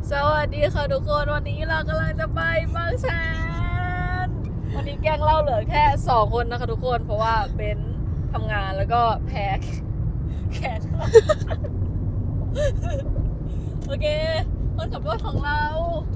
สวัสดีค่ะทุกคนวันนี้เรากำลังจะไปบางแสนวันนี้แก๊งเราเหลือแค่2 คนนะคะทุกคนเพราะว่าเบนทำงานแล้วก็แพ้แขนโอเคคนขับรถของเรา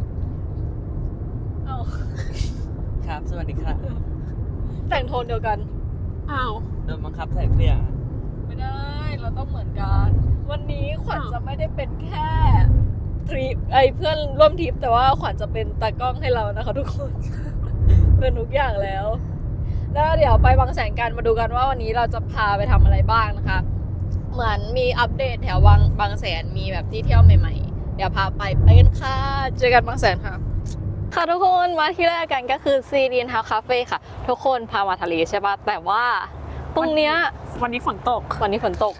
เอาครับสวัสดีครับแต่งโทนเดียวกันอ้าวโดนบังคับใส่เสื้อไม่ได้เราต้องเหมือนกันวันนี้ขวัญจะไม่ได้เป็นแค่ทริปเพื่อนร่วมทริปแต่ว่าขวัญจะเป็นตากล้องให้เรานะคะทุกคน เป็นทุกอย่างแล้วเดี๋ยวไปบางแสนกันมาดูกันว่าวันนี้เราจะพาไปทำอะไรบ้างนะคะเหมือนมีอัปเดตแถวบางแสนมีแบบที่เที่ยวใหม่ๆเดี๋ยวพาไปกันค่ะเจอกันบางแสนค่ะค่ะทุกคนมาที่แรกกันก็คือซีรีนทาวคาเฟ่ค่ะทุกคนพามาทะเลใช่ปะแต่ว่าตรงเนี้ยวันนี้ฝนตกวันนี้ฝนตก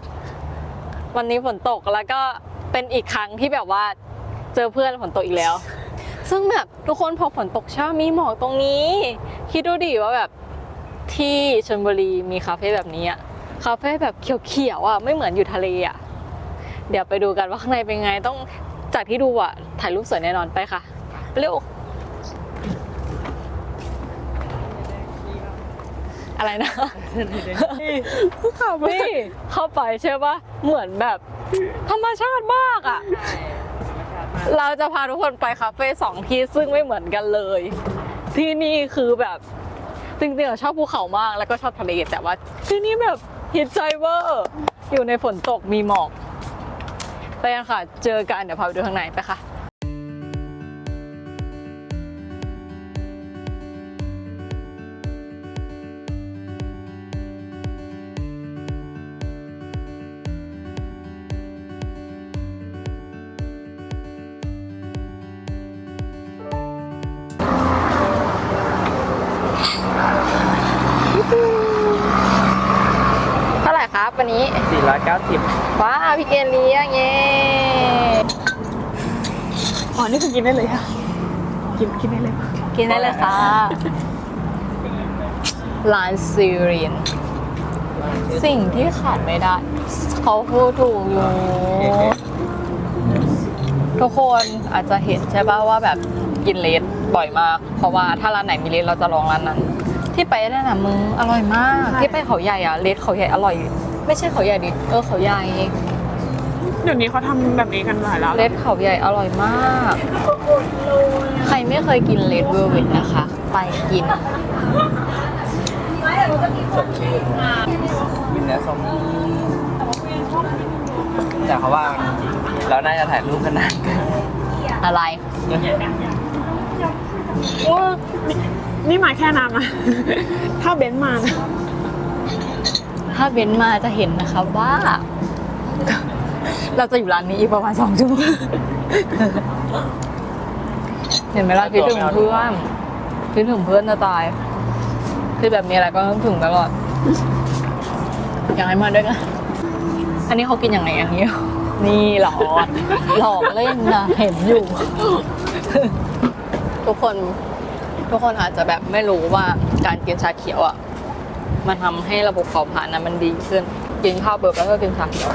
แล้วก็เป็นอีกครั้งที่แบบว่าเจอเพื่อนฝนตกอีกแล้วซึ่งแบบทุกคนพอฝนตกช้ามีหมอกตรงนี้คิดดูดิว่าแบบที่ชลบุรีมีคาเฟ่แบบนี้อะคาเฟ่แบบเขียวๆอะไม่เหมือนอยู่ทะเลอะเดี๋ยวไปดูกันว่าข้างในเป็นไงต้องจากที่ดูอะถ่ายรูปสวยแน่นอนไปค่ะเร็วอะไรนะนี่เข้าไปใช่ปะเหมือนแบบธรรมชาติมากอ่ะเราจะพาทุกคนไปคาเฟ่2 ที่ซึ่งไม่เหมือนกันเลยที่นี่คือแบบจริงๆเราชอบภูเขามากแล้วก็ชอบทะเลแต่ว่าที่นี่แบบฮิตใจเวอร์อยู่ในฝนตกมีหมอกไปกันค่ะเจอกันเดี๋ยวพาไปดูข้างในไปค่ะเท่าไหร่ครับวันนี้ 490 ว้าวพี่เกณฑ์เลี้ยงเย้อ๋อนี่คือกินได้เลยค่ะกินได้เลยกินได้เลยค่ะร้านซีรีนสิ่งที่ขาดไม่ได้เขาพูดถูกอยู่ทุกคนอาจจะเห็นใช่ป่ะว่าแบบกินเลดบ่อยมากเพราะว่าถ้าร้านไหนมีเลดเราจะลองร้านนั้นที่ไปนั่นน่ะมึงอร่อยมากที่ไปเขาใหญ่อะเลดเขาใหญ่อร่อยไม่ใช่เขาใหญ่ดิเขาใหญ่เดี๋ยวนี้เขาทำแบบนี้กันหลายแล้วเลดเขาใหญ่อร่อยมากใครไม่เคยกินเลดเวอร์เวทนะคะไปกินสดชื่นกินเนื้อส้มแต่เขาว่าเราน่าจะถ่ายรูปกันนานเกินอะไรนี่มาแค่น้ำนะถ้าเบนซ์มานะถ้าเบนซ์มาจะเห็นนะคะว่าเราจะอยู่ร้านนี้อีกประมาณ2 ชั่วโมงเห็นไหมล่ะคิดถึงเพื่อนจะตายคือแบบมีอะไรก็ต้องถึงตลอดอยากให้มาด้วยกันอันนี้เขากินอย่างไรอย่างนี้นี่หลอกเล่นนะเห็นอยู่ทุกคนอาจจะแบบไม่รู้ว่าการกินชาเขียวอ่ะมันทำให้ระบบเผาผลาญมันดีขึ้นกินข้าวเบิร์แล้วก็กินชาเขียว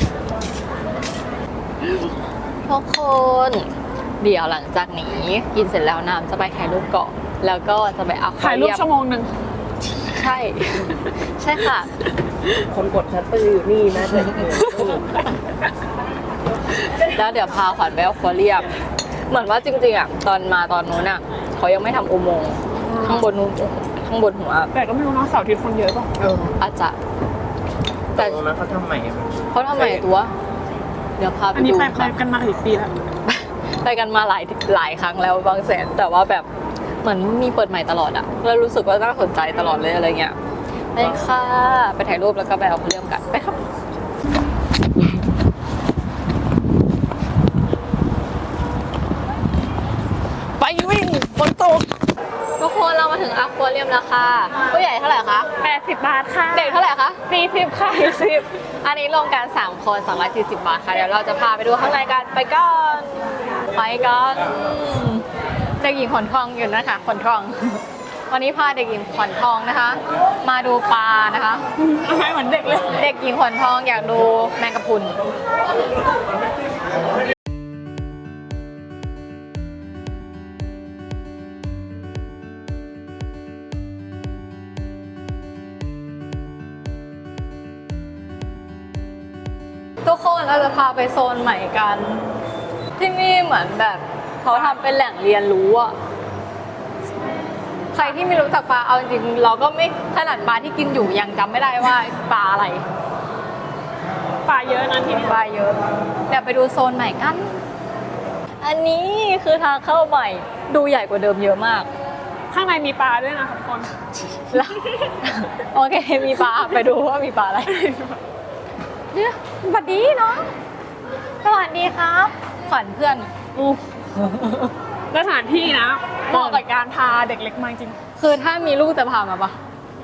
ทุกคนเดี๋ยวหลังจากนี้กินเสร็จแล้วน้ำจะไปถ่ายรูปเกาะแล้วก็จะไปเอาถ่ายรูป1 ชั่วโมงใช่ค่ะคนกดชัตเตอร์อยู่นี่นะแล้วเดี๋ยวพาขวัญไปอควาเรียมเหมือนว่าจริงๆอ่ะตอนนู้นอ่ะเขายังไม่ทำอุโมงค์ข้างบนหัวแต่ก็ไม่รู้นะเสาร์อาทิตย์คนเยอะป่ะอาจจะแต่ตรงนั้นเขาทำใหม่ตัวเดี๋ยวพาไปดูอันนี้ไปกันมาอีกปีแล้วไปกันมาหลายครั้งแล้วบางแสนแต่ว่าแบบเหมือนมีเปิดใหม่ตลอดอ่ะแล้วรู้สึกว่าน่าสนใจตลอดเลยอะไรเงี้ยไปค่ะไปถ่ายรูปแล้วก็ไปเอาเรื่องกันไปครับไปวิ่งฝนตกทุกคนเรามาถึงอควาเรียมแล้วค่ะผู้ใหญ่เท่าไหร่คะ 80 บาทค่ะเด็กเท่าไหร่คะ 40ค่ะ 40อันนี้รวมกัน3 คน240 บาทค่ะเดี๋ยวเราจะพาไปดูข้างในกันไปกันเด็กหญิงขวัญทองอยู่นะคะขวัญทองวันนี้พาเด็กหญิงขวัญทองนะคะมาดูปลานะคะไม่เหมือนเด็กเลยเด็กหญิงขวัญทองอยากดูแมงกะพรุนทุกคนเราจะพาไปโซนใหม่กัน ที่นี่เหมือนแบบเขาทำเป็นแหล่งเรียนรู้อะใครที่ไม่รู้จักปลาเอาจริงๆเราก็ไม่ขนาดปลาที่กินอยู่ยังจำไม่ได้ว่าปลาอะไรปลาเยอะนะที่นี่ปลาเยอะเดี๋ยวไปดูโซนใหม่กัน อันนี้คือทางเข้าใหม่ดูใหญ่กว่าเดิมเยอะมากข้างในมีปลาด้วยนะคะทุกคนแล้วโอเคมีปลาไปดูว่ามีปลาอะไรเนี่ยสวัสดีเนาะสวัสดีครับขวัญเพื่อนสถานที่นะเหมาะกับการพาเด็กเล็กมาจริงคือถ้ามีลูกจะพามาปะ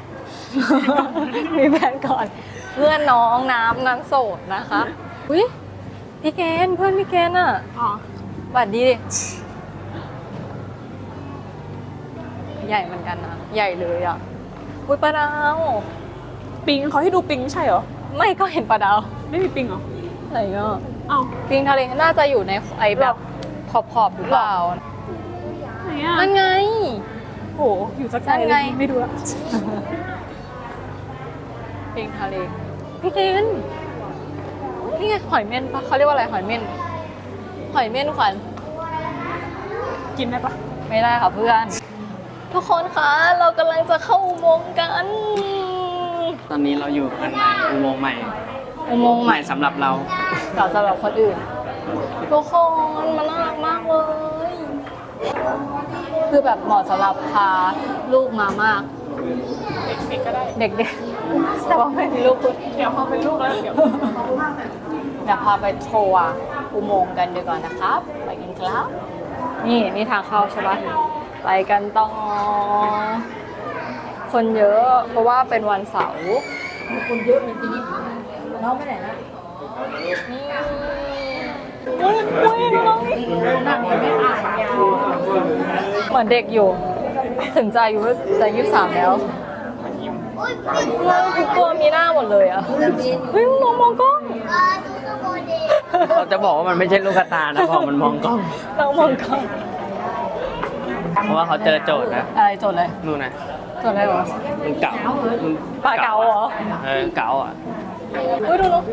มีแฟนก่อน เพื่อนน้องน้ำโสดนะคะอุ้ยพี่เกณฑ์เพื่อนพี่เกณฑ์อ่ะอ๋อสวัสดีดิใหญ่เหมือนกันนะใหญ่เลยอ่ะอุ้ยปลาดาวปิงเขาให้ดูปิงใช่เหรอไม่ก็เห็นปลาดาวไม่มีปิงเหรออะไรเงี้ยอ้าวปิงทะเลน่าจะอยู่ในไอแบบขอบหรือเปล่าไหนอ่ะนั่นไงโหอยู่สักไกลนั่นเลไงยไม่ดูละปิงทะเลพี่เกณฑ์นี่ไงหอยเม่นปะเขาเรียกว่าอะไรหอยเม่นหอยเม่นขวัญกินได้ปะไม่ได้ค่ะเพื่อน ทุกคนคะเรากำลังจะเข้าอุโมงค์กันตอนนี้เราอยู่กันในอุโมงค์ใหม่อุโมงค์ใหม่สำหรับเราต่อสำหรับคนอื่นทุกคนมันน่ารักมากเลย คือแบบเหมาะสำหรับพาลูกมามากเด็กก็ได้เด็กๆแต่ว่าไม่มีลูกคุณเดี๋ยวพอเป็นลูกแล้วเดี๋ยวเดี๋ยวพาไปโชว์อุโมงค์กันดีกว่านะครับ ไปกันครับ นี่ทางเข้าใช่ปะไปกันต่อคนเยอะเพราะว่าเป็นวันเสาร์คนเยอะจริงๆน้องไปไหนนะนี่เฮ้ยน้องนี่เหมือนเด็กอยู่ ถึงจะอายุจะ23แล้วทุกตัวมีหน้าหมดเลยอ่ะเฮ้ยมองกล้องเราจะบอกว่ามันไม่ใช่ลูกกระตานะเพราะมันมองกล้องเรามองกล้องเพราะว่าเขาเจอโจทย์นะอะไรจดเลยนู่นนะจดอะไรเหรอมันเก่ามันปลาเก๋าเหรอเก๋าอ่ะอุ้ยดูน้อง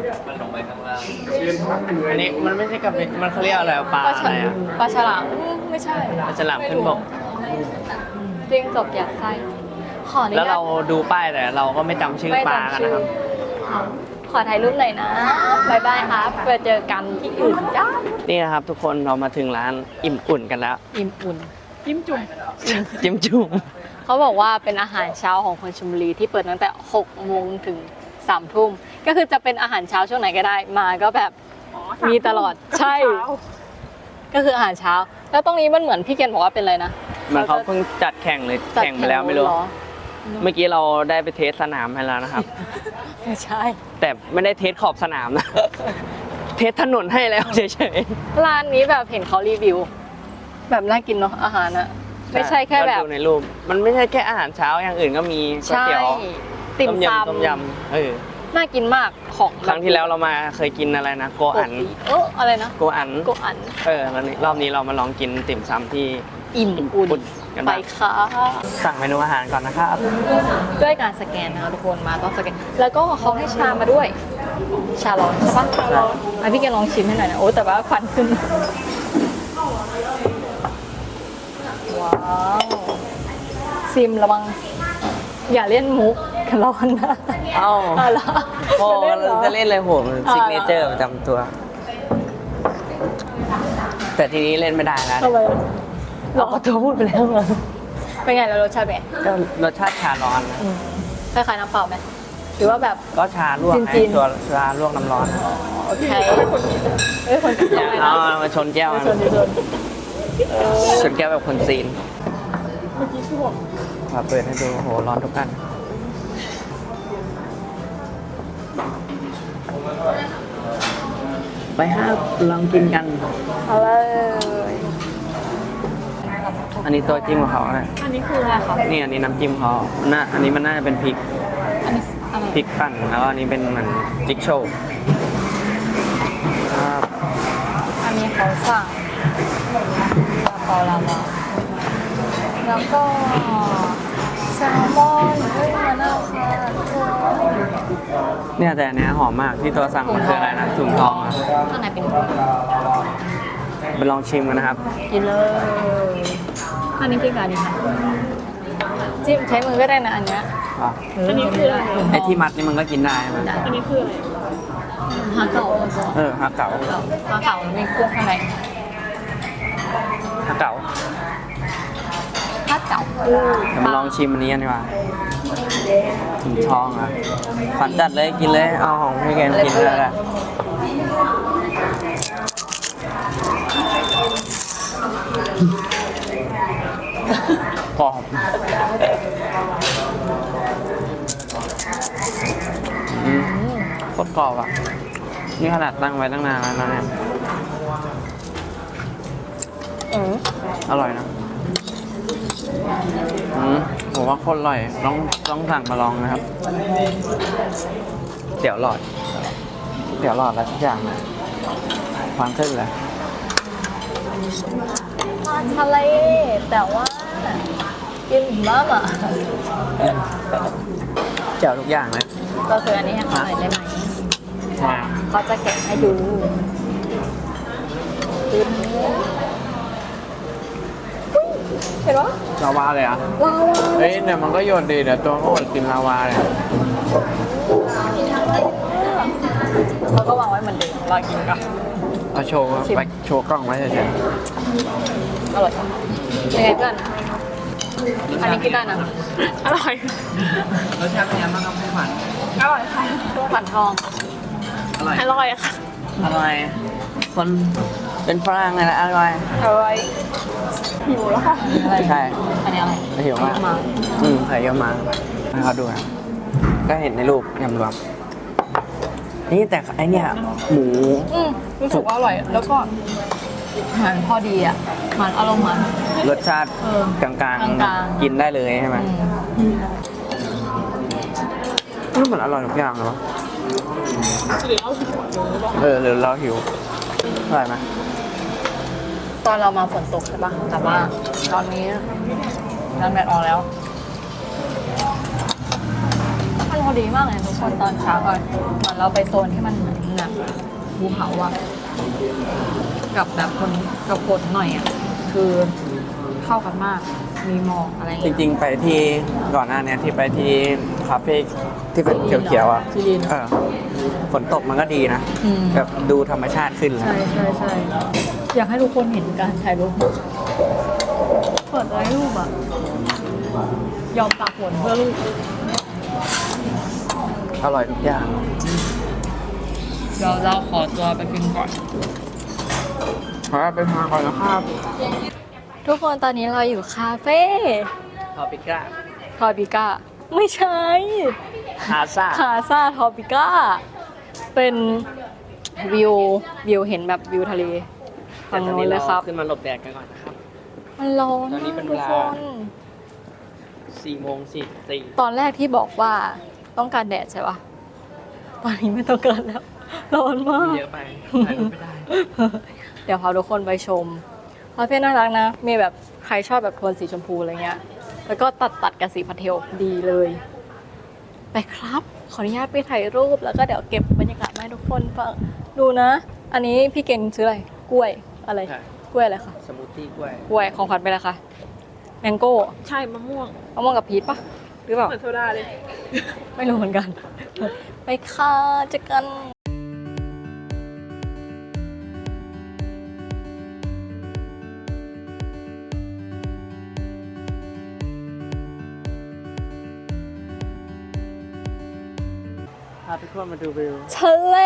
อันนี้มันไม่ใช่กระเบนมันเขาเรียกอะไรปลาปลาอะไรอ่ะปลาฉลามไม่ใช่ปลาฉลามขึ้นบกจริงจบอยากไส้ขออนุญาตแล้วเราดูป้ายแต่เราก็ไม่จำชื่อไม่ปลาจำกันชื่นะอครับขอถ่ายรูปหน่อยนะบายบายครับไปเจอกันที่อื่นจ้านี่นะครับทุกคนเรามาถึงร้านอิ่มอุ่นกันแล้วอิ่มอุ่นยิ้มจุ่มจิ้มจุ่มเขาบอกว่าเป็นอาหารเช้าของคนชลบุรีที่เปิดตั้งแต่6 โมงถึง3 ทุ่มก็คือจะเป็นอาหารเช้าช่วงไหนก็ได้มาก็แบบอ๋อมีตลอดใช่เช้าก็คืออาหารเช้า แล้วตรงนี้มันเหมือนพี่เกณฑ์บอกว่าเป็นอะไรนะเหมันเขาเพิ่งจัดแข่งเลยจัดแข่งไปแล้วไม่รู้เหอเมื่อกี้เราได้ไปเทสสนามให้แล้วนะครับไม่ใช่แต่ไม่ได้เทสขอบสนามนะ เทสถนนให้แล้วเฉยร้านนี้แบบเห็นเขารีวิว แบบน่ากินเนาะอาหารอะๆไม่ใช่แค่แบบก็ดูในรูปมันไม่ใช่แค่อาหารเช้าอย่างอื่นก็มีก๋วยใช่เตี๋ยวติ่มต้มซยำต้มยำน่ากินมากของครั้งที่แล้วเรามาเคยกินอะไรนะโกอันอะไรนะโกอันโกอันแล้วนี่รอบนี้เรามาลองกินติ่มซำที่อิ่มอุ่นกันไปบ้างค่ะสั่งเมนูอาหารก่อนนะครับด้วยการสแกนนะคะทุกคนมาต้องสแกน แล้วก็เขาให้ชามาด้วย ชาร้อนใช่ปะชาร้อนมาพี่แกลองชิมให้หน่อยนะโอ้แต่ว่าควันขึ้น ว้าวซิมระวัง อย่าเล่นมุกร้อนนะเอ้าเอาเหรอโอ้จะเล่นเหรอจะเล่นอะไรโหดมันซิกเนเจอร์ประจำตัว แต่ทีนี้เล่นไม่ได้แล้วทำไมเราก็ตัวพูดไปแล้วอะเป็นไงแล้วรสชาติเป็นไงก็รสชาติชาร้อนนะคล้ายๆน้ำเปล่าไหมหรือว่าแบบก็ชาลวกจีนๆตัวชาลวกน้ำร้อนโอเคเอ้ยคนกินอย่าทำไมเอานะมาชนแก้วไม่นะชนดิชนชนแก้วแบบคนซีนเมื่อกี้คือบอกขอเปิดให้ดูโหร้อนทุกอันไปห้าลองกินกันเอาเลยอันนี้ตัวจิ้มของเขาเลยอันนี้คืออะไรคะนี่อันนี้น้ำจิ้มเขาอันนี้มันน่าจะเป็นพริกอันนี้อะไรพริกปั่นแล้วก็อันนี้เป็นเหมือนจิ๊กโชว์ครับอันนี้เขาสั่งลาเปาลาวาแล้วก็แซลมอนเฮ้ยมาน่าค่ะทุกคนเนี่ยแต่อันเนี้ยหอมมากที่ตัวสั่งมันคืออะไรนะถุงทองอะข้างในเป็นไปลองชิมกันนะครับกินเลยอันนี้กินกับอันนี้ค่ะจิ้มใช้มือก็ได้นะอันเนี้ยอ่ะอันนี้คืออะไรไอ้ที่มัดนี่มันก็กินได้ใช่ไหมอันนี้คืออะไรฮาเก่าฮักเก๋าฮาเก่ามีเครื่องข้างในฮักเก๋าฮาเก่าเดี๋ยวมาลองชิมอันนี้กันดีกว่าถุงทองอ่ะฝันจัดเลยกินเลยเอาของพี่แกนกินเลยแหละกรอบโคตรกรอบอ่ะ นี่ขนาดตั้งไว้ตั้งนานแล้วนะเนี่ยอร่อยนะผมว่าโคตรอร่อยต้องสั่งมาลองนะครับเตี๋ยวหลอดอะไรทุกอย่างนะความขึ้นเลยทะเลแต่ว่ากินบ้างอ่ะเจ๋วทุกอย่างเลยเราซื้ออันนี้ให้เขาหน่อยได้ไหมมาเขาจะแกะให้ดูดูเห็นปะลาวาเลยอ่ะว้าวเฮ้ยเนี่ยมันก็โยนดีเดี๋ยวตัวก็อดกินลาวาเลยเขาก็วางไว้เหมือนเดิมรอกินก่อนเอาโชว์ไปโชว์กล้องไว้เฉยอร่อยยังไงเพื่อนอันนี้กินได้นะอร่อยรสชาติเป็นยังไงบ้างครับพี่ขวัญอร่อยค่ะตัวฝันทองอร่อยอร่อยค่ะอร่อยคนเป็นฝรั่งไงนะอร่อยอร่อยหิวแล้วค่ะอะไรใช่อันนี้อะไรหิวมากมาใส่เยอะมากให้เขาดูนะก็เห็นในรูปยำรวมนี่แต่ไอเนี่ยหมูรู้สึกว่าอร่อย แล้วก็มันพอดีอ่ะ มันอารมณ์มันรสชาติเออกลางกลางๆๆกินได้เลยใช่ไหมอืมมันอร่อยทุกอย่างเลยวะหรือเอาหิวหรือเปล่าหรือเราหิวอร่อยไหมตอนเรามาฝนตกใช่ปะแต่ว่าตอนนี้น้ำแดดออกแล้ว มันพอดีมากเลยทุกคนตอนเช้าก่อนเหมือนเราไปโซนที่มันเหมือนแบบภูเขาอะกับแบบคนกับฝนหน่อยอะคือเข้ากันมาก มีหมอกอะไรอย่างจเงี้ยริงๆไปที่ก่อนหน้าเนี้ยที่ไปที่คาเฟ่ที่เป็นเขียวๆอ่ะที่ดินฝนตกมันก็ดีนะอืมแบบดูธรรมชาติขึ้นเลยใช่ใช่ใช่อยากให้ทุกคนเห็นการถ่ายรูปเปิดไว้รูปอะยอมตากฝนเพื่อลูกอร่อยทุกอย่างเดี๋ยวเราขอตัวไปกินก่อนขอไปทานก่อนนะครับทุกคนตอนนี้เราอยู่คาเฟ่ทอปิก้าทอปิก้าไม่ใช่คาซ่าคาซาทอปิก้าเป็นวิวเห็นแบบวิวทะเลฝั่งโน้นเลยครับขึ้นมาหลบแดดกันก่อนนะครับมันร้อนตอนนี้เป็นเวทุกลาคน 4:44 ตอนแรกที่บอกว่าต้องการแดดใช่ปะตอนนี้ไม่ต้องการแล้ว ร้อนมากเยอะไปถ่ายรูปไม่ได้เดี๋ยวพาทุกคนไปชมคาเฟ่น่ารักนะ มีแบบใครชอบแบบโทนสีชมพูอะไรเงี้ย แล้วก็ตัดกับสีพาสเทลดีเลย ไปครับ ขออนุญาตไปถ่ายรูปแล้วก็เดี๋ยวเก็บบรรยากาศมาให้ทุกคนฟังดูนะ อันนี้พี่เกณฑ์ซื้ออะไร กล้วยอะไรใช่กล้วยอะไรคะสมูทตี้กล้วยกล้วยของขวัญไปแล้วคะแมงโก้ใช่มะม่วงมะม่วงกับพีชปะหรือเปล่าเหมือนโซดาเลยไม่รู้เหมือนกัน ไปค่ะเจอกันพาทุกคนมาดูวิวทะเล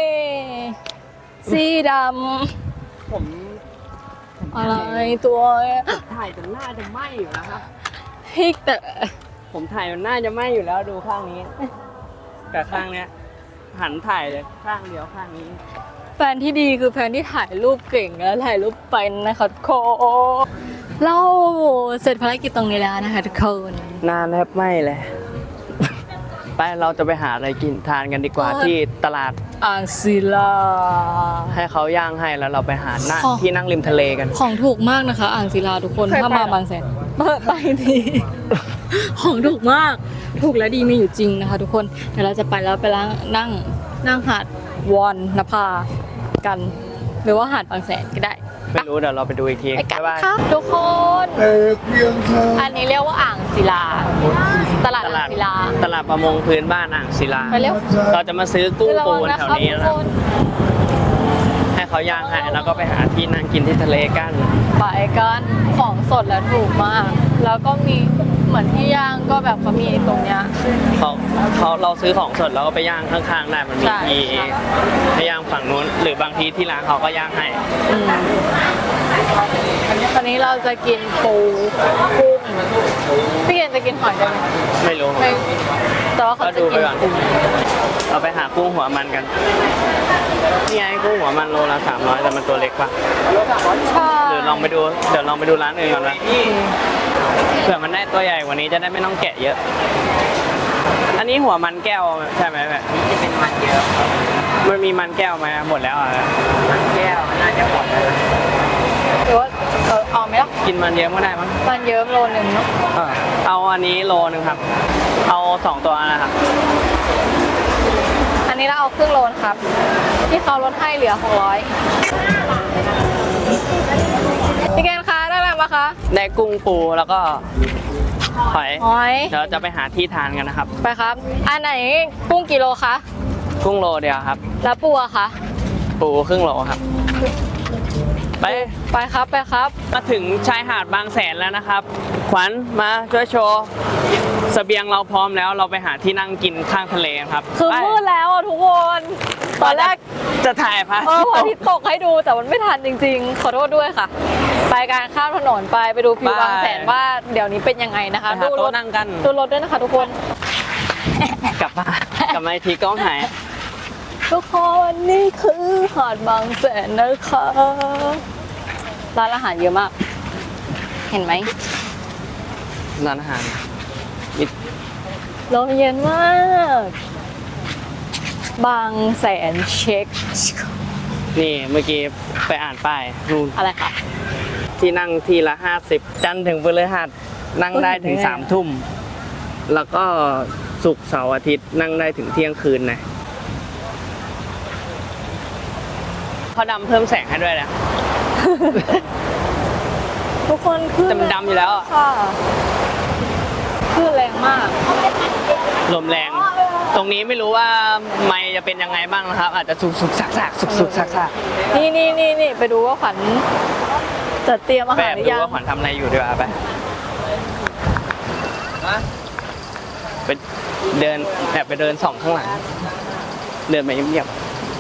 สีดผมำอะไรตัวเนี่ยถ่ายจนหน้าจะไหม้อยู่แล้วครับพริกแต่ผมถ่ายจนหน้าจะไหม้อยู่แล้วดูข้างนี้กับข้างเนี้ย หันถ่ายเลยข้างเดียวข้างนี้แฟนที่ดีคือแฟนที่ถ่ายรูปเก่งและถ่ายรูปเป็นนะคะทุกคนเราเสร็จภารกิจตรงนี้แล้วนะคะทุกคนหน้าแทบไหม้เลย ไปเราจะไปหาอะไรกินทานกันดีกว่าที่ตลาดอ่างศิลาให้เขาย่างให้แล้วเราไปหาหน้าของที่นั่งริมทะเลกันของถูกมากนะคะ อ่างศิลาทุกคนเคยไปถ้ามาเหรอบางแสนเปิดไปทีของถูกมากถูกและดีมีอยู่จริงนะคะทุกคนเดี๋ยวเราจะไปแล้วไปนั่งหาดวอนนภากัน หรือว่าหาดบางแสนก็ได้ไม่รู้เดี๋ยวเราไปดูอีกทีไปกันบ๊ายบายค่ะทุกคน อันนี้เรียกว่าอ่างศิลา ตลาดอ่างศิลาตลาดประมงพื้นบ้านอ่างศิลาไปเร็วเราจะมาซื้อกุ้งปูนระวังนะแถวครับนี้ทุกนะคนให้เขาย่างให้แล้วก็ไปหาที่นั่งกินที่ทะเลกันไปกันของสดและถูกมาก แล้วก็มีเหมือนที่ย่างก็แบบเขามีตรงเนี้ยเราซื้อของสดแล้วก็ไปย่างข้างๆได้มันมีใช่ที่ให้ย่างฝั่งนู้นหรือบางทีที่ร้านเขาก็ย่างให้ตอนนี้เราจะกินปูกุ้งพี่เกณฑ์จะกินหอยได้ไหมไม่รู้ไม่แต่ว่าเขาจะก็ดูกิไปนก่อนปูเราไปหากุ้งหัวมันกันนี่ไงกุ้งหัวมันโลละ300แต่มันตัวเล็กปะใช่หรือเดี๋ยวลองไปดูร้านอื่นก่อนนะเผื่อมันได้ตัวใหญ่กว่านี้จะได้ไม่ต้องแกะเยอะ อันนี้หัวมันแก้วใช่ไหมแบบจะเป็นมันเยอะมันมีมันแก้วไหมหมดแล้วอ่ะมันแก้วน่าจะหมดแล้วหรือว่าเอาไหมล่ะกินมันเยอะก็ได้มั้งมันเยิ้มโลนึงเนาะเอาอันนี้โลนึงครับ เอา2ตัวนะครับอันนี้เราเอาครึ่งโลนะครับ ที่เขาลดให้เหลือ600พี่เกณฑ์คะได้อะไรมาคะได้กุ้งปูแล้วก็หอยหอยเดี๋ยวจะไปหาที่ทานกันนะครับไปครับ อันไหนกุ้งกี่โลคะกุ้งโลเดียวครับแล้วปูอะคะปูครึ่งโลครับ ไปไปครับไปครับมาถึงชายหาดบางแสนแล้วนะครับ ขวัญมาช่วยโชว์เสบียงเราพร้อมแล้วเราไปหาที่นั่งกินข้างทะเลกันครับคือไปมืดแล้วอ่ะทุกคน ตอนแรกจะถ่ายพระพระอาทิตย์ตกให้ดูแต่มันไม่ทันจริงๆ ขอโทษด้วยค่ะ ไปการข้ามถนนไปดูฟิวบางแสนว่าเดี๋ยวนี้เป็นยังไงนะคะไปหาโต๊ะนั่งกันดูรถด้วยนะคะทุกคนกลับมาอีกทีกล้องหายทุกคนนี่คือหาดบางแสนนะคะร้านอาหารเยอะมาก เห็นไหมร้านอาหารลมเย็นมาก บางแสนเช็คนี่เมื่อกี้ไปอ่านป้ายนู่นอะไรคะที่นั่งทีละ50จันทร์ถึงพฤหัสนั่งได้ถึง3 ทุ่มแล้วก็ศุกร์เสาร์อาทิตย์นั่งได้ถึงเที่ยงคืนนะเขาดำเพิ่มแสงให้ด้วยนะทุกคนขึ้นแต่มันดำอยู่แล้วอะค่ะขึ้นแรงมากลมแรง ตรงนี้ไม่รู้ว่าไมค์จะเป็นยังไงบ้างนะครับ อาจจะสุกๆสักๆสุกๆสักนี่ไปดูว่าขวัญจะเตรียมอาๆแบหารบหรืดูอยังว่าขวัญทำอะไรอยู่ดีกว่าไปไปเดินแบบไปเดินส่องข้างหลัง เดินไปเงียบ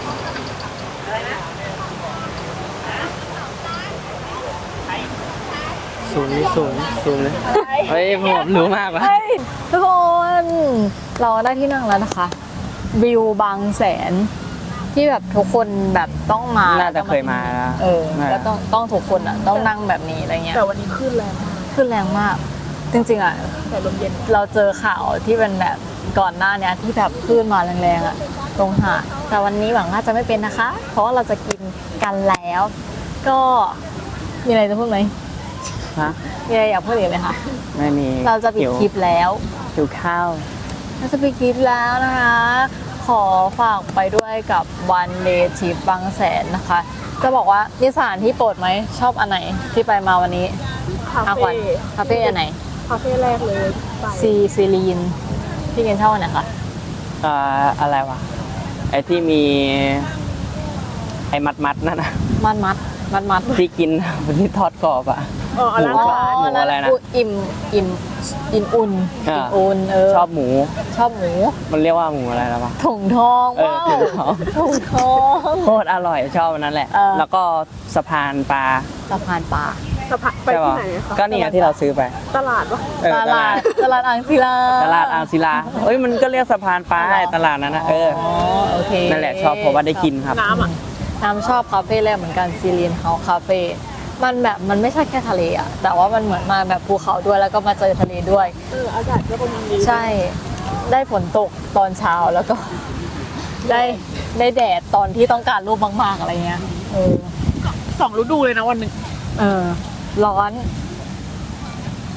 ๆซูมนี่ซูมเลยเฮ้ยผมรู้มากวะเฮ้ยทุกคนเราได้ที่นั่งแล้วนะคะ วิวบางแสน ที่แบบทุกคนแบบต้องมาน่าจะเคยมาแล้วแล้วต้องทุกคนอ่ะต้องนั่งแบบนี้อะไรเงี้ยแต่วันนี้ขึ้นแรงมากขึ้นแรงมาก จริงๆอ่ะแต่ลมเย็นเราเจอข่าวที่เป็นแบบก่อนหน้าเนี้ยที่แบบคลื่นมาแรงๆอ่ะตรงหาดแต่วันนี้หวังว่าจะไม่เป็นนะคะ เพราะว่าเราจะกินกันแล้ว ก็มีอะไรจะพูดไหมฮะมีอะไรอยากพูดอีกไหมคะไม่มีเราจะปิดคลิปแล้วหิวข้าวเราจะปิดคลิปแล้วนะคะ ขอฝากไปด้วยกับวันเดย์ทริปบางแสนนะคะ จะบอกว่านิสถานที่โปรดไหมชอบอันไหนที่ไปมาวันนี้คาอาขวัญเฟ่คาเฟ่อันไหนคาเฟ่แรกเลยไปซีลีนพี่เกณฑ์ชอบอันไหนคะอะไรวะ ไอ้ที่มี ไอ้มัดนั่นนะมัดที่กิน ที่ทอดกรอบอ่ะอันนั้นหมูหวานหมูอะไรนะอิ่มอุ่นอ่าอุ่นชอบหมูชอบหมูมันเรียกว่าหมูอะไรแล้วปะถุงทองถุงทองถุงทองโคตรอร่อยชอบอันนั้นแหละ แล้วก็สะพานปลาสะพานปลาสะพานไปใช่ที่ปะไหนคะก็นี่ไงที่เราซื้อไปตลาดวะตลาดอ่างศิลาตลาดอ่างศิลาเอ้ยมันก็เรียกสะพานปลาตลาดนั้นนะโอเคนั่นแหละชอบเพราะว่าได้กินครับน้ำอ่ะน้ำชอบคาเฟ่แรกเหมือนกันซีรีนเฮาคาเฟ่มันแบบมันไม่ใช่แค่ทะเลอะแต่ว่ามันเหมือนมาแบบภูเขาด้วยแล้วก็มาเจอทะเลด้วยอากาศก็ประมาณนี้ใช่ ได้ฝนตกตอนเช้าแล้วก็ ได้แดดตอนที่ต้องการรูปมากๆอะไรเงี้ย 2 ฤดูเลยนะวันหนึ่งร้อน ฝ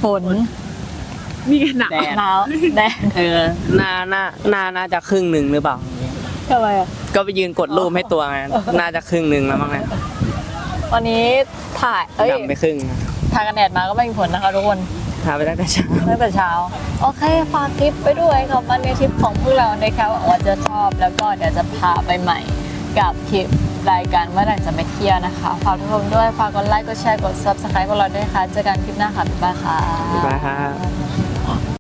ฝนนี่ไงหนาวแดดหนาวแดดน่าจะครึ่งหนึ่งหรือเปล่าทำไมอ่ะก็ไปยืนกดรูปให้ตัวไงน่าจะครึ่งหนึ่งแล้วมั้งเนี่ยวันนี้ถ่ายดำไปครึ่งทากันแดดมาก็ไม่มีผลนะคะทุกคนทาไปตั้งแต่เช้าตั้งแต่เช้า โอเคฝากคลิปไปด้วยกับวันนี้ทริปของพวกเรานะคะหวังว่าจะชอบแล้วก็เดี๋ยวจะพาไปใหม่กับคลิปรายการเมื่อไหร่จะไปเที่ยวนะคะฝากทุกคนด้วยฝากกดไลค์กดแชร์กด subscribe พวกเราด้วยค่ะเจอกันคลิปหน้าค่ะบ๊ายบายค่ะบ๊ายบายครับ